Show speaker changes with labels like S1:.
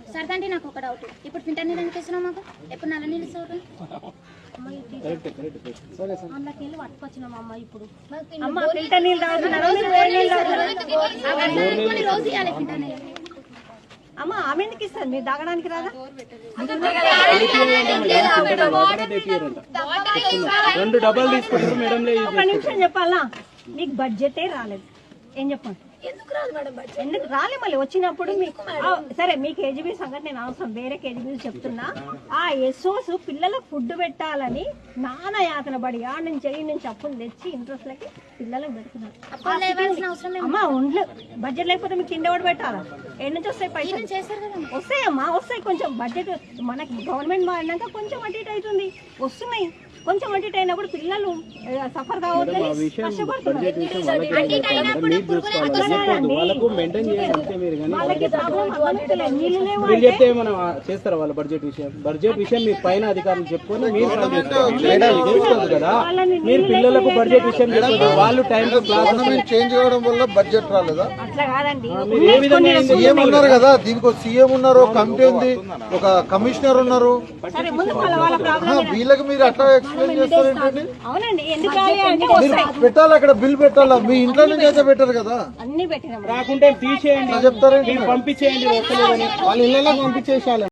S1: సరదండి నాకు ఒక డౌట్. ఇప్పుడు ఫిల్టర్ నీళ్ళు ఎందుకు ఇస్తున్నావు మాకు? ఎప్పుడు నల్ల నీళ్ళు ఇస్తావు?
S2: అందులోకి వెళ్ళి పట్టుకొచ్చినాం అమ్మ. ఇప్పుడు
S1: రోజు ఇవ్వాలి ఫిల్టర్ నీళ్ళు.
S2: అమ్మ ఆమె ఎందుకు ఇస్తారు? మీరు తాగడానికి రాదా?
S3: 2 డబ్బాలు తీసుకుంటారు మేడం.
S2: ఒక నిమిషం చెప్పాలా, మీకు బడ్జెటే రాలేదు. ఏం చెప్పండి, ఎందుకు రాలే? మళ్ళీ వచ్చినప్పుడు మీకు సరే, మీ కేజీబీ సంగతి నేను అవసరం, వేరే కేజీబీ చెప్తున్నా. ఆ ఎస్ఓస్ పిల్లలకు ఫుడ్ పెట్టాలని నానా యాతన పడి ఆ నుంచి ఈ నుంచి అప్పులు తెచ్చి ఇంట్రెస్ట్లకి పిల్లలకు పెడుతున్నారు. అమ్మా ఒంట్లో బడ్జెట్ లేకపోతే మీకు తిండి ఎవరు పెట్టాలా? ఎన్ని నుంచి వస్తాయి పైసలు? వస్తాయమ్మా, వస్తాయి. కొంచెం బడ్జెట్ మనకి గవర్నమెంట్ మారినాక కొంచెం అటు ఇటు అవుతుంది, వస్తున్నాయి. కొంచెం అటు ఇటు అయినప్పుడు పిల్లలు సఫర్ కావద్దని కష్టపడుతున్నారు.
S3: చెప్తే మనం చేస్తారా వాళ్ళ బడ్జెట్ విషయం మీ పైన అధికారులు చెప్పుకొని మీరు కదా. మీరు పిల్లలకు బడ్జెట్ విషయం వాళ్ళు టైం
S4: చేంజ్ చేయడం వల్ల బడ్జెట్ రాలేదా?
S2: అట్లా కాదండి,
S3: ఏ విధంగా
S4: సీఎం ఉన్నారు కదా, దీనికి ఒక సీఎం ఉన్నారు, ఒక కమిటీ ఉంది, ఒక కమిషనర్ ఉన్నారు. వీళ్ళకి మీరు అట్లా ఎక్స్ప్లెయిన్ చేస్తారు ఏంటండి?
S2: అవునండి, ఎందుకు
S4: పెట్టాలి, అక్కడ బిల్ పెట్టాలా? మీ ఇంట్లో నుంచి అయితే పెట్టారు కదా,
S2: అన్ని పెట్టినాం.
S3: రాకుంటే తీసేయండి,
S4: చెప్తారండి,
S3: పంపించేయండి. వాళ్ళ ఇళ్ళకి పంపించేసాలి.